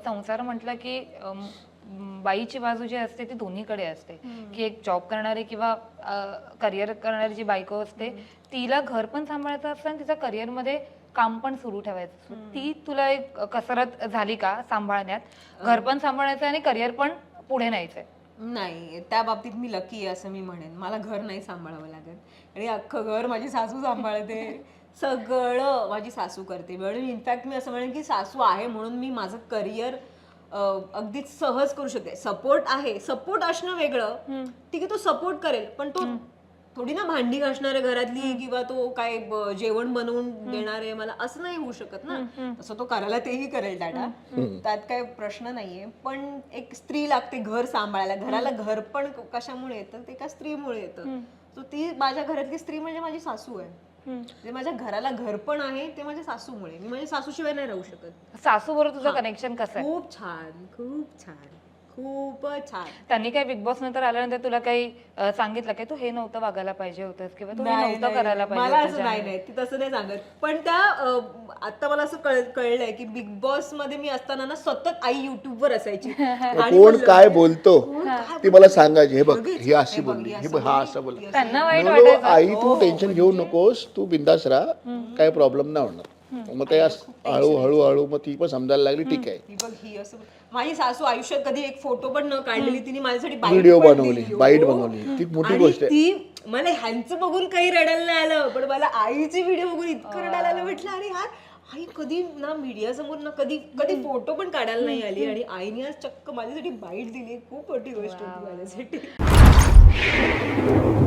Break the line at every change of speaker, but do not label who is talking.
संसार म्हटलं की बाईची बाजू जी असते ती दोन्हीकडे असते की एक जॉब करणारी किंवा करिअर करणारी जी बायको असते तिला घर पण सांभाळायचं असतं आणि तिच्या करिअरमध्ये काम पण सुरू ठेवायचं. ती तुला एक कसरत झाली का सांभाळण्यात, घर पण सांभाळायचं आणि करिअर पण पुढे न्यायचंय?
नाही, त्या बाबतीत मी लकी आहे असं मी म्हणेन. मला घर नाही सांभाळावं लागत आणि अख्खं घर माझी सासू सांभाळते. सगळं माझी सासू करते. म्हणून इनफॅक्ट मी असं म्हणेन की सासू आहे म्हणून मी माझं करिअर अगदीच सहज करू शकते. सपोर्ट आहे, सपोर्ट असणं वेगळं. ठीक आहे, तो सपोर्ट करेल, पण तो थोडी ना भांडी घासणारे घरातली किंवा तो काय जेवण बनवून देणारे मला असं नाही होऊ शकत ना. तसं तो करायला तेही करेल डाटा, त्यात काही प्रश्न नाहीये. पण एक स्त्री लागते घर सांभाळायला. घराला घर पण कशामुळे येतं, ते एका स्त्रीमुळे येतं. सो ती माझ्या घरातली स्त्री म्हणजे माझी सासू आहे. जे माझ्या घराला घर पण आहे ते माझ्या सासूमुळे. मी माझ्या सासूशिवाय नाही राहू शकत.
सासू बरोबर तुझं कनेक्शन कसं आहे?
खूप छान, खूप छान, खूपच छान.
त्यांनी काय बिग बॉस नंतर आल्यानंतर तुला काही सांगितलं की तू हे नव्हतं वागायला पाहिजे होतंस किंवा तू हे नव्हतं करायला पाहिजे
मला
होतं?
असं नाही, ती तसं नाही सांगत. पण त्या आता मला असं कळलंय की बिग बॉस मध्ये मी असताना ना सतत आई युट्यूबवर असायची.
कोण काय बोलतो ती मला सांगायची. हे बघ, ही अशी बोलली, हे बघ, हा असं बोलला.
त्यांना वाईट
नो, नो, आई तू टेन्शन घेऊ नकोस, तू बिंदास राहा, काही प्रॉब्लेम नाही होणार. मग ते हळूहळू मग ती पण समजायला लागली. ठीक आहे,
ही बघ, ही असं. माझी सासू आयुष्यात कधी एक फोटो पण न काढलेली तिने माझ्यासाठी
व्हिडिओ बनवली, बाईट बनवली, ती मोठी गोष्ट आहे.
ती मला ह्यांचं बघून काही रडायला नाही आलं, पण मला आईची व्हिडिओ बघून इतकं रडायला आलं. म्हटलं अरे यार, आई कधी ना मीडिया समोर ना कधी फोटो पण काढायला नाही आली आणि आईने आज चक्क माझ्यासाठी बाईट दिली. खूप मोठी गोष्ट होती माझ्यासाठी.